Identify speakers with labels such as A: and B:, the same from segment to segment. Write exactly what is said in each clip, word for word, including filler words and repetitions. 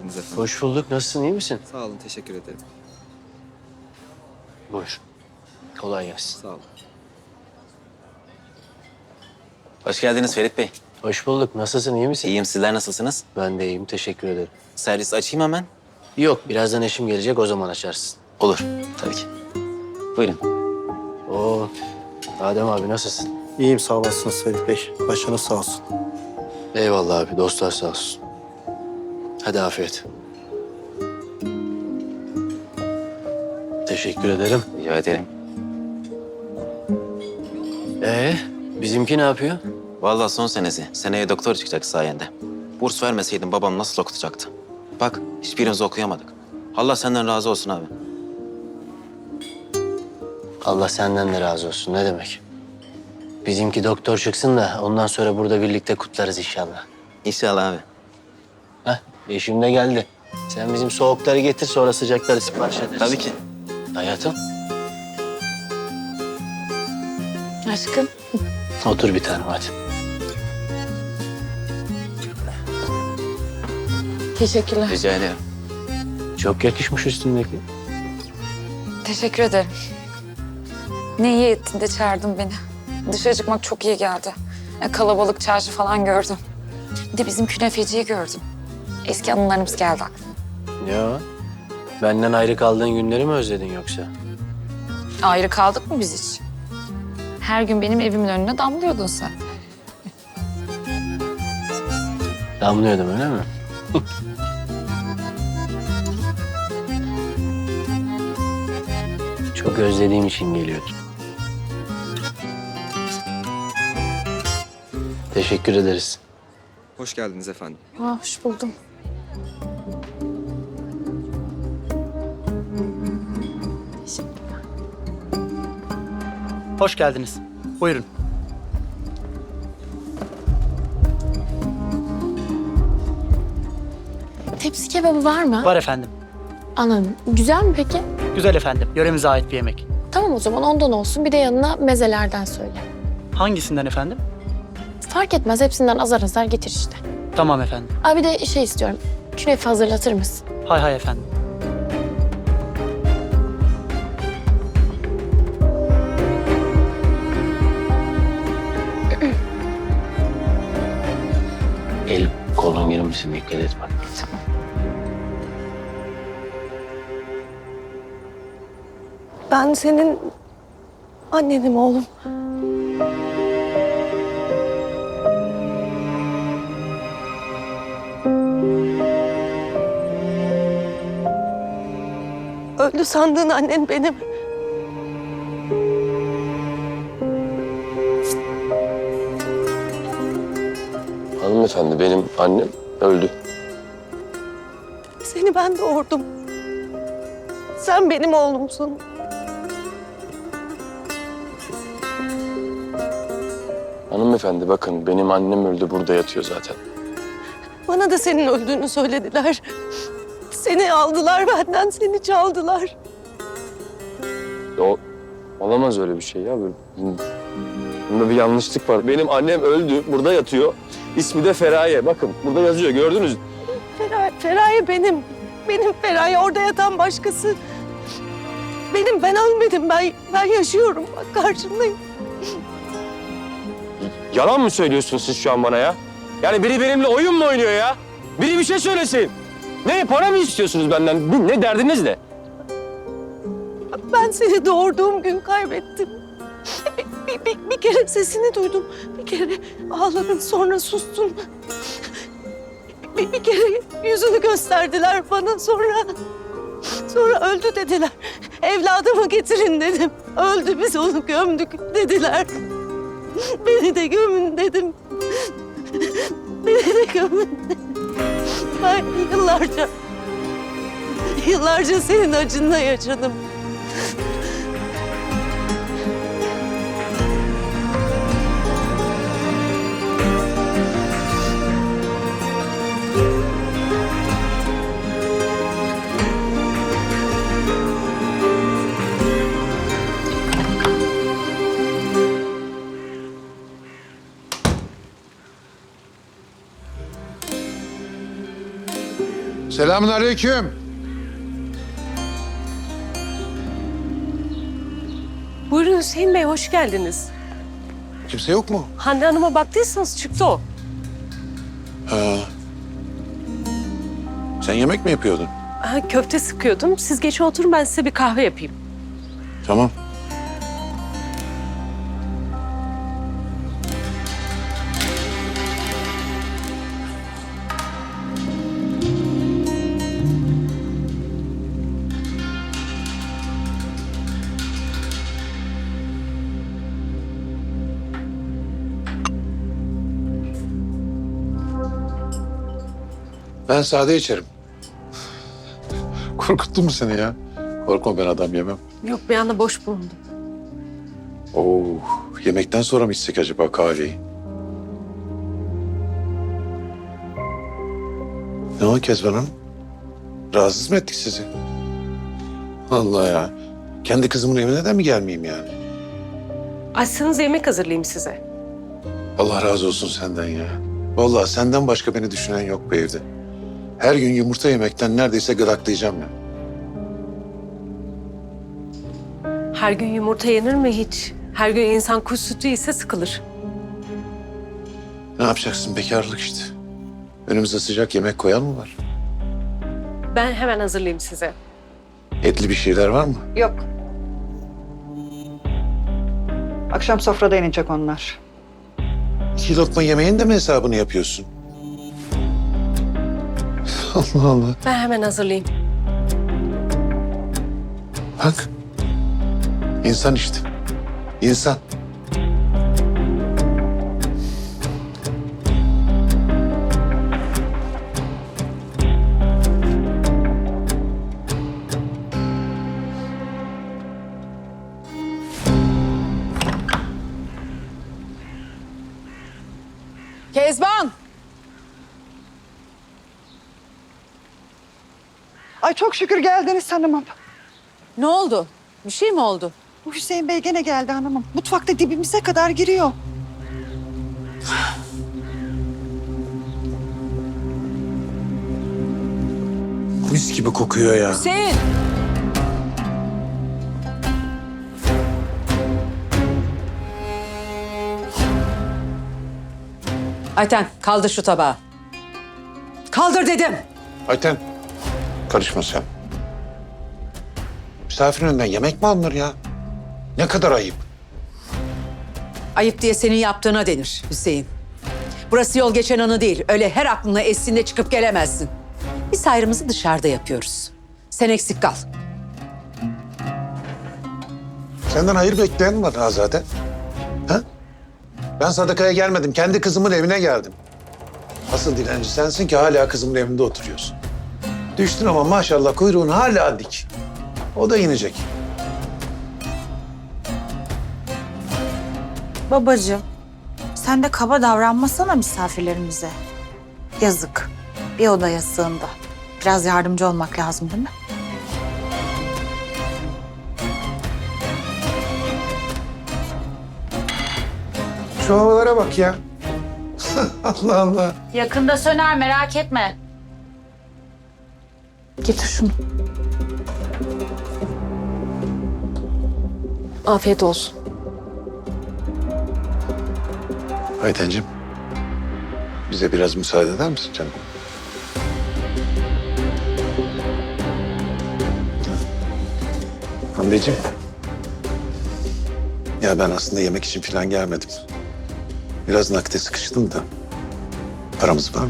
A: geldiniz efendim.
B: Hoş bulduk. Nasılsın? İyi misin?
A: Sağ olun, teşekkür ederim.
B: Buyur. Kolay gelsin.
A: Sağ olun.
C: Hoş geldiniz Ferit Bey.
B: Hoş bulduk. Nasılsın? İyi misin?
C: İyiyim, sizler nasılsınız?
B: Ben de iyiyim. Teşekkür ederim.
C: Servis açayım hemen.
B: Yok. Birazdan eşim gelecek. O zaman açarsın.
C: Olur, tabii ki. Buyurun.
B: Oo. Adem abi nasılsın?
D: İyiyim sağ olasınız Ferit Bey. Başınız sağ olsun.
B: Eyvallah abi. Dostlar sağ olsun. Hadi afiyet. Teşekkür ederim.
C: Rica ederim.
B: Ee, bizimki ne yapıyor?
C: Vallahi son senesi. Seneye doktor çıkacak sayende. Burs vermeseydin babam nasıl okutacaktı? Bak, hiçbirimiz okuyamadık. Allah senden razı olsun abi.
B: Allah senden de razı olsun. Ne demek? Bizimki doktor çıksın da ondan sonra burada birlikte kutlarız inşallah.
C: İnşallah abi.
B: Heh, eşim de geldi. Sen bizim soğukları getir, sonra sıcakları sipariş ederiz.
C: Tabii ki.
B: Hayatım,
E: Aşkım.
B: otur bir tanem hadi.
E: Teşekkürler.
C: Rica ederim.
B: Çok yakışmış üstündeki.
E: Teşekkür ederim. Ne iyi ettin de çağırdın beni. Dışarı çıkmak çok iyi geldi. E, kalabalık çarşı falan gördüm. Bir de bizim künefeciyi gördüm. Eski anılarımız geldi aklıma.
B: Ya, benden ayrı kaldığın günleri mi özledin yoksa?
E: Ayrı kaldık mı biz hiç? Her gün benim evimin önüne damlıyordun sen.
B: Damlıyordum öyle mi? Çok özlediğim için geliyordum. Teşekkür ederiz.
A: Hoş geldiniz efendim.
E: Aa, hoş buldum.
D: Hoş geldiniz. Buyurun.
F: Tepsi kebabı var mı?
D: Var efendim.
F: Anladım. Güzel mi peki?
D: Güzel efendim. Yöremize ait bir yemek.
F: Tamam o zaman ondan olsun. Bir de yanına mezelerden söyle.
D: Hangisinden efendim?
F: Fark etmez. Hepsinden azar azar getir işte.
D: Tamam efendim.
F: Abi de şey istiyorum. Künefe hazırlatır mısın?
D: Hay hay efendim.
B: El kolun girmişsin, dikkat et bak.
G: Ben senin annenim oğlum. Öldü sandığın annen benim.
B: Hanımefendi, benim annem öldü.
G: Seni ben doğurdum. Sen benim oğlumsun.
B: Hanımefendi bakın, benim annem öldü, burada yatıyor zaten.
G: Bana da senin öldüğünü söylediler. Seni aldılar benden, seni çaldılar.
H: O olamaz öyle bir şey ya. Böyle, bunda bir yanlışlık var. Benim annem öldü, burada yatıyor. İsmi de Feraye. Bakın burada yazıyor, gördünüz mü?
G: Feraye, Feraye benim. Benim Feraye, orada yatan başkası. Benim, ben ölmedim. Ben, ben yaşıyorum. Bak karşındayım.
H: Yalan mı söylüyorsunuz siz şu an bana ya? Yani biri benimle oyun mu oynuyor ya? Biri bir şey söylesin. Ne, para mı istiyorsunuz benden? Bu ne, derdiniz ne?
G: Ben seni doğurduğum gün kaybettim. Bir, bir, bir, bir kere sesini duydum. Bir kere ağladın, sonra sustun. Bir, bir kere yüzünü gösterdiler bana, sonra... Sonra öldü dediler. Evladımı getirin dedim. Öldü, biz onu gömdük dediler. Beni de gömün dedim. Beni de gömün dedim. Ben yıllarca... Yıllarca senin acınla yaşadım.
I: Selamünaleyküm.
G: Buyurun Hüseyin Bey, hoş geldiniz.
I: Kimse yok mu?
G: Hande Hanım'a baktıysanız çıktı o.
I: Ha. Sen yemek mi yapıyordun?
G: Ha, köfte sıkıyordum. Siz geçin oturun, ben size bir kahve yapayım.
I: Tamam. Ben sade içerim. Korkuttu mu seni ya? Korkma, ben adam yemem.
G: Yok, bir anda boş bulundum.
I: Oo, yemekten sonra mı içsek acaba kahveyi? Ne o Kezban Hanım? Rahatsız mı ettik sizi? Allah ya. Kendi kızımın evine de mi gelmeyeyim yani?
G: Açsanız yemek hazırlayayım size.
I: Allah razı olsun senden ya. Vallahi senden başka beni düşünen yok bu evde. Her gün yumurta yemekten neredeyse gıdaklayacağım ya.
G: Her gün yumurta yenir mi hiç? Her gün insan kuş sütü ise sıkılır.
I: Ne yapacaksın, bekarlık işte. Önümüze sıcak yemek koyan mı var?
G: Ben hemen hazırlayayım size.
I: Etli bir şeyler var mı?
J: Yok. Akşam sofrada inecek onlar.
I: İki lokma yemeğin de mi hesabını yapıyorsun? Allah Allah.
G: Ben hemen hazırlayayım.
I: Bak. İnsan işte. İnsan.
J: Kezban! Ay çok şükür geldiniz hanımım.
K: Ne oldu? Bir şey mi oldu?
J: Bu Hüseyin Bey gene geldi hanımım. Mutfakta dibimize kadar giriyor.
I: Mis gibi kokuyor ya.
K: Hüseyin! Ayten kaldır şu tabağı. Kaldır dedim.
I: Ayten, karışma sen. Misafirin önünden yemek mi alınır ya? Ne kadar ayıp.
K: Ayıp diye senin yaptığına denir Hüseyin. Burası yol geçen anı değil. Öyle her aklına estiğinde çıkıp gelemezsin. Biz ayrımızı dışarıda yapıyoruz. Sen eksik kal.
I: Senden hayır bekleyen mi var ha zaten? Ha? Ben sadakaya gelmedim. Kendi kızımın evine geldim. Asıl dilenci sensin ki hala kızımın evinde oturuyorsun. Düştün ama maşallah kuyruğun hala dik. O da inecek.
L: Babacığım, sen de kaba davranmasana misafirlerimize. Yazık. Bir odaya sığındı. Biraz yardımcı olmak lazım değil mi?
I: Şu havalara bak ya. Allah Allah.
E: Yakında söner, merak etme.
L: Getir şunu.
G: Afiyet olsun.
I: Aytenciğim, bize biraz müsaade eder misin canım? Hande'ciğim. Ya ben aslında yemek için falan gelmedim. Biraz nakite sıkıştım da. Paramız var mı?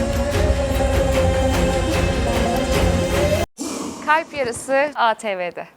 E: Kalp Yarısı A T V'de.